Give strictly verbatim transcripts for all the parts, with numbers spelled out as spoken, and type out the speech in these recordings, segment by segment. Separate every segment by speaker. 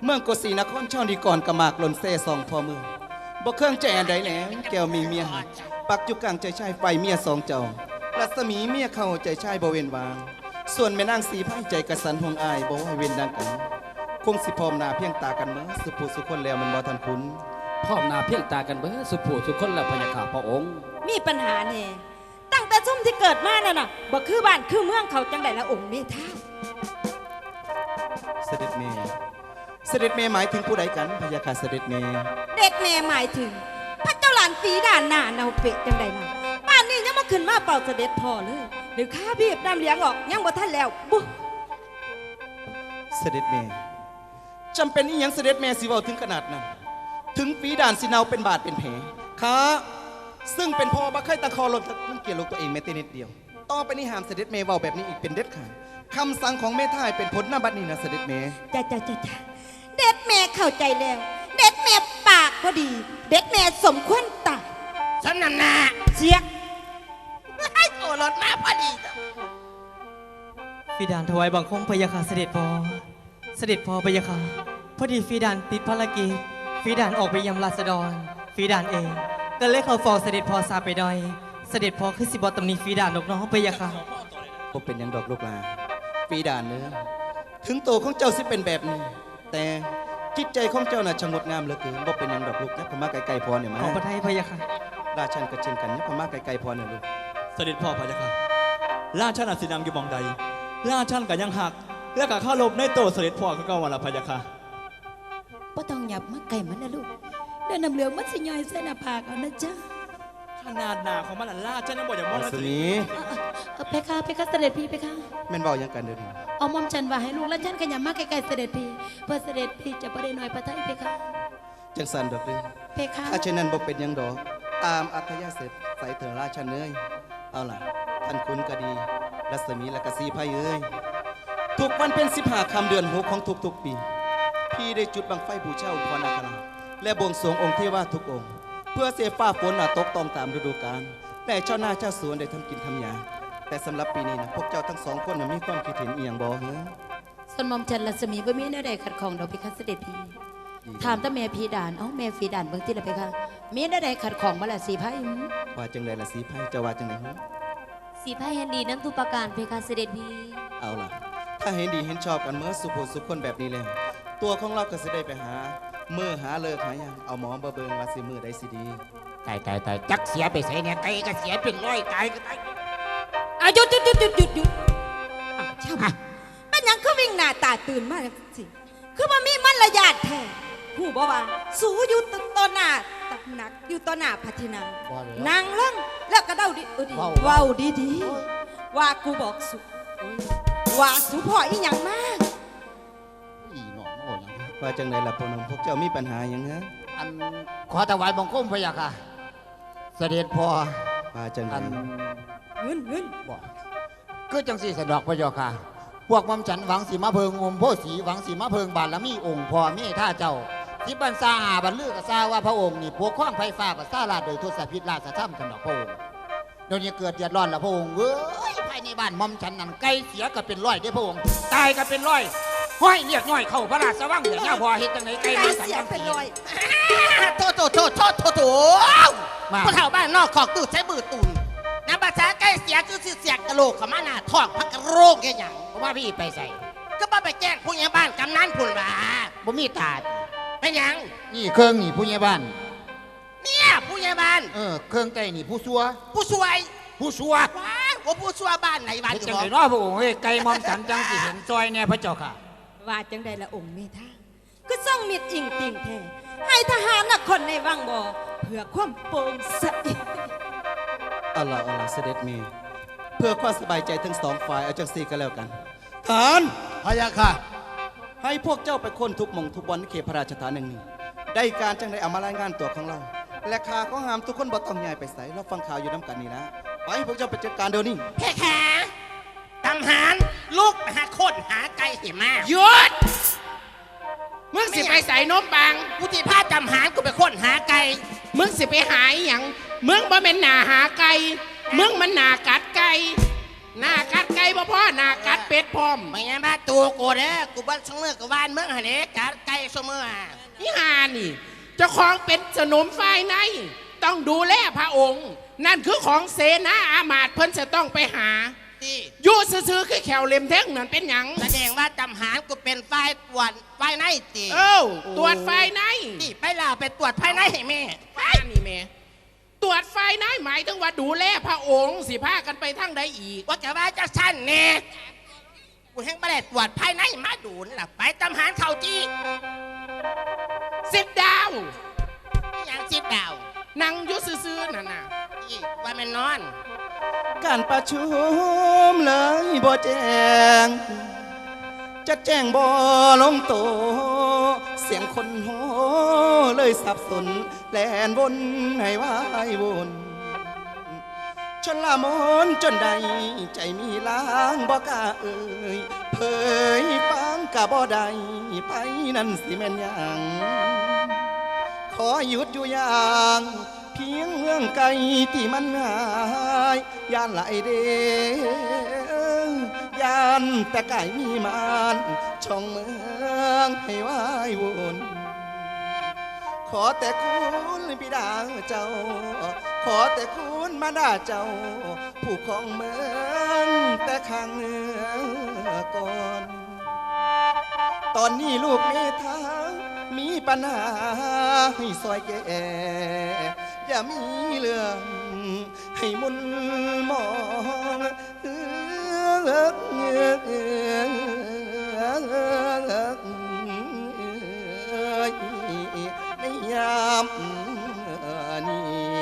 Speaker 1: เมืองโกสีนครช่องดีก่อนกระหมากหล่นเซ่ซองพอเมืองบ่เครื่องใจอันใดแล้วแก้วมีเมียหักปักอยู่กลางใจชายไฟเมียสองเจ้ารัศมีเมียเข้าใจชายบ่เว้นวาง ส่วนแม่นางสีไพ่ใจกระสันห่วงอายบ่ให้เว้นดังกันคงสิพร้อมหน้าเพียงตากันเมื่อสุภูสุคนแล้วมันบ่ทันคุ้น
Speaker 2: พร้อมหน้าเพียงตากันเบ้อสุผู้สุคนและพญาข่าพระองค์
Speaker 3: มีปัญหาแน่ตั้งแต่ซุ่มที่เกิดมานั่นน่ะบ่คือบ้านคือเมืองเขาจังไดละองค์เมธา
Speaker 1: เสด็จเมย์เสด็จเมย์หมายถึงผู้ใดกันพญาค่ะเสด็จเมย์
Speaker 3: เด็กแม่หมายถึงพระเจ้าหลานสีด่านหน้าเนาเป็ดจังไดน่ะป่านนี้ยังมาขึ้นมาเป่าเสด็จพ่อเลยหรือข้าบีบน้ำเลี้ยงออกยังบ่ทันแล้วบุ
Speaker 1: เสด็จเมย์จำเป็นอีหยังเสด็จเมย์สิเว้าถึงขนาดนั้นถึงฝีด่านสิเนาเป็นบาดเป็นแผลข้าซึ่งเป็นพ่อบ่เคยตะคอลงทั้งเกียรติลูกตัวเองแม้แต่นิดเดียวต่อไปนี้ห้ามเสด็จเมย์เว้าแบบนี้อีกเป็นเด็ดขาดคำสั่งของแม่ท่ายเป็นผลหน้าบัดนี้นะเสด็จเมย์
Speaker 3: จ้าจ้าจ้าจ้าเด็ดแม่เข้าใจแล้วเด็ดแม่ปากพอดีเด็ดแม่สมควรตาย
Speaker 4: ฉันนำหน้า
Speaker 3: เสียก
Speaker 4: ให้ตัวรถมาพอดี
Speaker 5: ฟีดานถวายบังคมพยาค่ะเสด็จพ่อเสด็จพ่อพยาค่ะพอดีฟีดานติดภารกิจฟีดานออกไปยำราษฎรฟีดานเองก็เลยเขาฟองเสด็จพ่อซาไปดอยเสด็จพ่อคือสิบอตำนีฟีดานนกน้องพยาค่ะ
Speaker 1: ผมเป็นยังดอกลูกลาฝีด่านเนื้อถึงตัวของเจ้าสิเป็นแบบนี้แต่จิตใจของเจ้าน่ะชงดงามเหลือเกินบ่เป็นยังดอกลูกนะพม่าไกลๆพอเนี่ยมา
Speaker 5: ของประเทศพยาค่ะ
Speaker 1: ราชันก็เช่นกันนะพม่าไกลๆพอเนี่ยลูก
Speaker 6: เสด็จพ่อพะยะค่ะราชันอาศินำอยู่มองใดราชันก็ยังหักและก็ข้าลบในโตเสด็จพ่อก็วันละพะยะค่ะ
Speaker 7: บ่ต้องหยับมาไก่มันนะลูกเดินนำเหลืองมันสิย่อยเส้นหน้าผากเอานะจ๊ะ
Speaker 6: ขนาดหนาของมันราชันยังบอกอย่างมอ
Speaker 1: สนี
Speaker 7: เพคะเพคะเสด็จพี่เพคะ
Speaker 1: แม่นบอกยังกันเดี๋ยวนี้
Speaker 7: เอามอมฉันว่าให้ลูกและฉันขยันมาไกลๆเสด็จพี่เพื่อเสด็จพี่จะประเด็นหน่อยพระไทยเพคะ
Speaker 1: จังสันดอกเลย
Speaker 7: เพคะ
Speaker 1: ถ้าเช่นนั้นบ่เป็นยังดอกตามอัธยาศัยใส่เถอราชันเอ้ยเอาล่ะท่านคุณก็ดีรัศมีและกสีไพ่เอ้ยทุกวันเป็นสิบห้าคำเดือนหกของทุกๆปีพี่ได้จุดบังไฟบูชาองค์พระนาคราและบวงสรวงองค์เทวาทุกองค์เพื่อเสียฟ้าฝนตกต้องตามฤดูกาลแต่เจ้าหน้าเจ้าสวนได้ทำกินทำยาแต่สำหรับปีนี้นะพวกเจ้าทั้งสองคนมีความคิดเห็นเอียงบ่เหรอ
Speaker 7: ส่วนมอมฉันรัศมีบ่มีแนวใดขัดข้องดอกเพคะเสด็จพี่ถามแต่แม่พีด่านเอ้าแม่ฟีด่านเบิ่งที่ละเพคะมีแนวใดขัดข้องบ่ล่ะสีไพ่
Speaker 1: ว่าจังไดล่ะสีไพ่จะว่าจังไดฮะ
Speaker 8: สีไพ่เห็นดีนั้นทุกประการเพคะเสด็จพี่
Speaker 1: เอาล่ะถ้าเห็นดีเห็นชอบกันเมื่อสุภสุขคนแบบนี้แล้วตัวของเราก็จะได้ไปหาเมื่อหาเลิกหายังเอาหมอมาเบิ่งว่าสิมือได้สิดี
Speaker 4: ตายตายตายจักเสียไปใส่เนี่ยไก่ก็เสียเป็นร้อยตายก็ตาย
Speaker 3: อาหยุดหยุดหยุดหยุดหยุดหยุดเช่าเป็นยังคือวิ่งหน้าตาตื่นมากสิคือว่ามีมารยาทแท้ผู้บอกว่าสูอยู่ต่อหน้าตักหนักอยู่ต่อหน้าพัฒนานางเล่งแล้วก็เดาดีว้าวดีดีว่ากูบอกสุว่าสุพ่ออีหยังมาก
Speaker 1: ว่าจังไดล่ะพ่อหนุ่มพวกเจ้ามีปัญหาอย่างเงี้ย
Speaker 4: อันขอถวายบังคมพะยะค่ะเสด็จพ่อ
Speaker 1: ว่าจังได
Speaker 3: เงินเงิน
Speaker 4: บอกคือจังสี่สะดอกพะยะค่ะพวกมัมฉันหวังสีมะเพิงอมโพสีหวังสีมะเพิงบาลมีองค์พ่อมีท่าเจ้าที่บรรษาหาบรรลือกษาว่าพระองค์นี่พวกข้องไฟฟ้ากับซาลาโดยทศพิษราชธรรมสำหรับพระองค์เดี๋ยวนี้เกิดเดือดร้อนแล้วพระองค์เว้ยภายในบ้านมัมฉันนั่นไก่เสียก็เป็นร้อยได้พระองค์ตายก็เป็นร้อยห้อยเรียกย่อยเข้าพระราชวังเดี๋ยวหน้าพอเห็นจังไหนไก่ไม่สัญญา
Speaker 3: เป็นร้อย
Speaker 4: โถโถโถโถโถโถผู้เฒ่าบ้านนอกขอกตู้ใช้มือตุนน้ำภาษาไก่เสียคือเสียกระโหลกขมาหน้าท้องพักกระโรกแค่หยังเพราะว่าพี่ไปใส่ก็ป้าไปแจ้งผู้ใหญ่บ้านกำนันผุนว่าบ่มีตาเป็นหยังนี่เครื่องนี่ผู้ใหญ่บ้านเนี่ยผู้ใหญ่บ้านเออเครื่องไก่นี่ผู้ซัวผู้ช่วยผู้ซัวว้าวผู้ซัวบ้านไหนบ้านจังไหนน้อพระองค์เฮ้ยไก่มอมสันจังสิเห็นซอยเนี่ยพระเจ้าค่ะ
Speaker 3: ว่าจังใดละองค์เมธาคือส่องมิดอิงติ่งแท้ให้ทหารนักคนในวังบ่เพื่อความโปร่งใส
Speaker 1: อัลลอฮ์อัลลอฮ์เสด็จมีเพื่อความสบายใจทั้งสองฝ่ายเอาจังซี่กันแล้วกันทหาร
Speaker 4: พะยะค่ะ
Speaker 1: ให้พวกเจ้าไปค้นทุกหม่องทุกบอนในเขตพระราชฐานแห่งนี้ได้การจังได้เอามารายงานตัวของเราและข่าก็ห้ามทุกคนบ่ต้องย้ายไปไสเราฟังข่าวอยู่น้ำกันนี่นะไปพวกเจ้าไปจัดการเดี๋ยวนี้
Speaker 4: แค่แค่ทหารลูกหาคนหาไก่เสียมาหยุดมึงสิไปใส่นมปังกูที่พาจำหารกูไปค้นหาไก่มึงสิไปหายอย่างมึงบ่เป็นหนาหาไก่มึงมันหนากัดไก่หนากัดไก่บ่พ่อหนากัดเป็ดพร้อมไม่งั้นมาตัวกูเด้อกูบ้านช่างเมื่อกับบ้านมึงหันเด้กัดไก่เสมอ
Speaker 9: นี่หานี่เจ้าของเป็นสนมฝ่ายในต้องดูแลพระองค์ นั่นคือของเสนาอามาตย์เพิ่นจะต้องไปหา
Speaker 4: ที่
Speaker 9: อยู่ซื่อๆคือแขวเล็มแท่งนั่นเป็นหยัง
Speaker 4: แสดงว่าจำหารกูเป็นฝ่ายตรวจฝ่ายในตี
Speaker 9: เอ้าตรวจฝ่ายใน
Speaker 4: ที่ไปล่าไปตรวจภายในให้แม่
Speaker 9: ฝ่ายนี่แม่ตรวจฝ่ายในหมายถึงว่าดูแลพระองค์สิพากันไปทางใดอีก
Speaker 4: ว่าแต่ว่าจะสั้นแน่กูแห้งไม่ได้ตรวจภายในมาดูนล่ะไปจำหารเขาจี
Speaker 9: สิบดาว
Speaker 4: อย่างสิบดาว
Speaker 9: นั่งอยู่ซื่อๆนั่นน่ะ
Speaker 4: ที่ว่ามันนอน
Speaker 1: การประชุมเลยบ่แจ้งจะแจ้งบ่ลงโตวเสียงคนโหเลยสับสนแลนวนให้วายวนชนละมนจนใดใจมีล้างบ่กล้าเอ่ยเผยฟังกะบ่ได้ไปนั่นสิแม่นหยัง ขอหยุดอยู่อย่างเพียงเมืองไกลที่มันหายย่านไหลเดย่านแต่ไก่มีมานช่องเมืองให้วายวนขอแต่คุณบิดาเจ้า ขอแต่คุณมาดาเจ้า ผู้ของเมืองแต่ข้างเมืองก่อน ตอนนี้ลูกเมธามีปัญหาให้ซอยแก่อย่ามีเรื่องให้มุนมองเอื้อเงือกในยามนี้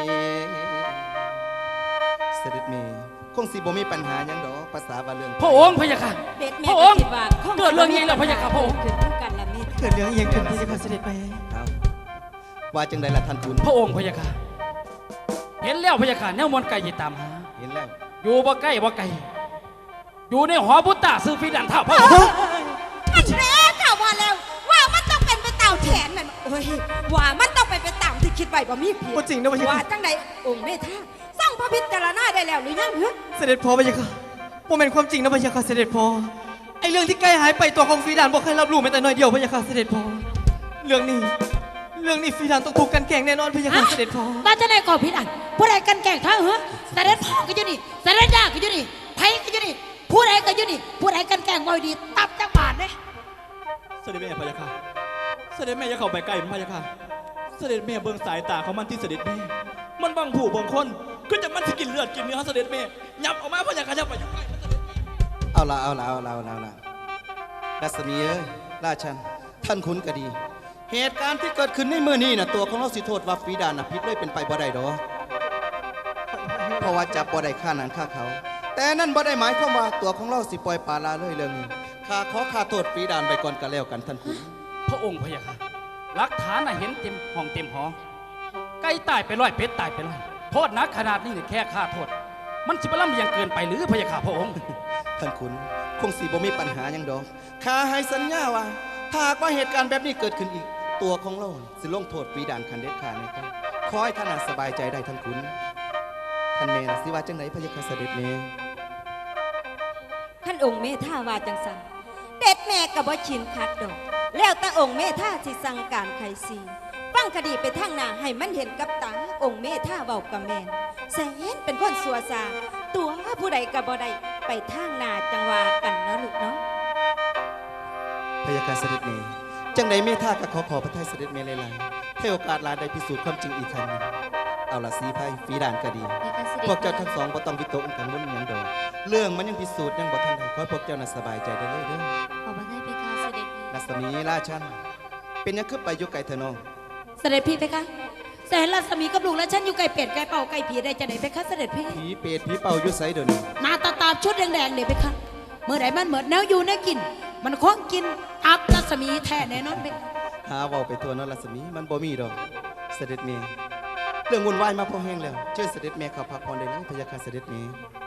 Speaker 1: เสด็จเมย์คงสิบ่มีปัญหาหยังดอกภาษาว่าเรื่อง
Speaker 2: พระองค์พะยะค่ะ
Speaker 3: เด็ดแม่
Speaker 2: พระองค์
Speaker 3: คิดว่าค
Speaker 2: เกิดเรื่องนี้แล้วพะยะค่ะพระองค์
Speaker 3: เกิดขึ้นกันละเมธ
Speaker 5: เกิดเรื่องเอียงขึ้นพระยาค่ะเสด็จแม่
Speaker 1: เอาว่าจังใดล่ะท่านคุณ
Speaker 2: พระองค์พะยะค่ะ เห็นแล้วพะยะค่ะแนวมนต์ไก่ตามหา
Speaker 1: เห็นแล้ว
Speaker 2: อยู่บ่ใกล้บ่ไกลอยู่ในหอบุตตาซื้อฟีดันท่าพระองค์
Speaker 3: อันแรกค่ะว่าแล้วว่ามันต้องเป็นไปตามแผนนั่นโอ้ยว่ามันต้องเป็นไปตามที่คิดไว้บ่มีผิด
Speaker 5: บ่จริงนะพระยา
Speaker 3: ว่า
Speaker 5: ค่ะ
Speaker 3: จังใดองค์เมธาสร้างพระพิจารณาได้แล้วหรือยังเหรอ
Speaker 5: เสด็จพ่อพระยาค่ะบ่แม่นความจริงนะพระยาค่ะเสด็จพ่อไอเรื่องที่ใกล้หายไปตัวของฟีดานบ่เคยรับรู้แม้แต่น้อยเดียวพระยาค่ะเสด็จพ่อเรื่องนี้ เรื่องนี้ฟีดานต้องถูกกันแกล้งแน่นอนพระยาค่ะเสด็จพ่อ
Speaker 7: มาจะได้ก่อผิดอันผู้ใดกันแกล้งเธอเหรอเสด็จพ่อก็อยู่นี่เสด็จย่าก็อยู่นี่ไผก็อยู่นี่ผู้ใดก็อยู่นี่ผู้ใดกันแกล้งบ่ดีตับจักบาทเด้
Speaker 6: เสด็จแม่พะยะค่ะเสด็จแม่อย่าเข้าไปใกล้มันพะยะค่ะเสด็จแม่เบิ่งสายตาของมันที่เสด็จแม่มันบังผู้บังคนคือจะมันสิกินเลือดกินเนื้อเสด็จแม่ยับออกมาพะยะค่ะยับไปอยู่ใกล้มันเสด็จแม่
Speaker 1: เอาละเอาละเอาละเอาละเอาละรัศมีเอ้ยราชันท่านคุณก็ดี เหตุการณ์ที่เกิดขึ้นในเมื่อนี้นะตัวของเราสิโทษว่าฟีดานนะพิษเลยเป็นไปบ่ได้ดอกเพราะว่าจับบ่ได้ฆ่าหนังฆ่าเขา แต่นั่นบ่ได้หมายความว่าตัวของเราสิปล่อยปลาลาเลยเรื่องนี้ข้าขอข้าโทษฟีดานไปก่อนกันแล้วกันท่านคุณ
Speaker 2: พระองค์พะยะค่ะหลักฐานน่ะเห็นเต็มห้องเต็มหอไก่ตายไปร้อยเป็ดตายไปร้อยโทษหนักขนาดนี้เนี่ยแค่ค่าโทษ มันสิบล่ำเลียงเกินไปหรือพะยะค่ะพระองค์
Speaker 1: ท่านคุณคงสิบ่มีปัญหาหยังดอกข้าให้สัญญาว่าถ้าหากว่าเหตุการณ์แบบนี้เกิดขึ้นอีก ตัวของเราสิลงโทษฟีดานคันเด็ดขาดนะครับขอให้ท่านน่ะสบายใจได้ท่านคุณท่านเมย์สิว่าจังไหนพระยาค่ะเสด็จเมย์
Speaker 3: ท่านองค์เมธาว่าจังสันเด็ดแม่กับบ่ชินคัดดอก แล้วแต่องค์เมธาสิสั่งการไขสีฟังคดีไปทางหน้าให้มันเห็นกับตาองค์เมธาเบากับแมนแสนเป็นคนสัวซาตัวผู้ใดกับบ่ได้ไปทางหน้าจังว่ากันเนาะลูกเนาะ
Speaker 1: พยาการเสด็จเมย์จังใดเมธาก็ขอขอพระทัยเสด็จเมย์หลายๆให้โอกาสลาได้พิสูจน์ความจริงอีกครั้งหนึ่งเอาละสีไพ่ฝีดานก็ดี
Speaker 8: เพคะเสด็จ
Speaker 1: พวกเจ้าทั้งสองบ่ต้องวิตกกันมุ่นหยังดอกเรื่องมันยังพิสูจน์ยังบ่ทันได้ขอให้พวกเจ้าน่ะสบายใจได้เลยเด้อ
Speaker 8: ขอบพระทัยเพคะเสด็จพี่
Speaker 1: รัศมีราชันเป็นหยังคือไปอยู่ไกลเถอะน้อง
Speaker 7: เสด็จพี่เพคะแสนรัศมีกับลูกและฉันอยู่ไก่เป็ดไก่เป่าไก่ผีได้จะไหนเพคะเสด็จพี่
Speaker 1: ผีเปรตผีเป่าอยู่ไสเดี๋ยวนี้
Speaker 7: มาตาตามชุดแดงๆเนี่ยเพคะเมื่อไหร่มันเหมือนแนวอยู่แนวกิน มันคล้องกินอับรัศมีแท้แน่นอนเพคะ
Speaker 1: หาเว้าไปทั่วเนาะรัศมีมันบ่มีดอกเสด็จเมย์เรื่องวุ่นวายมาพอแห้งแล้วเชิญเสด็จเมย์เข้าพักผ่อนได้เลยพยาการเสด็จเมย์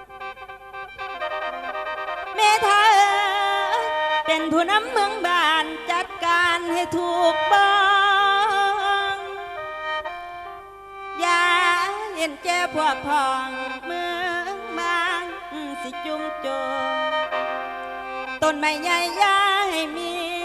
Speaker 3: เมธาเป็นผู้นำเมืองบ้านจัดการให้ถูกบ้องอย่าเห็นแก่พวกพ้องเมืองบ้านสิจุ่มโจมต้นไม้ใหญ่อย่าให้มี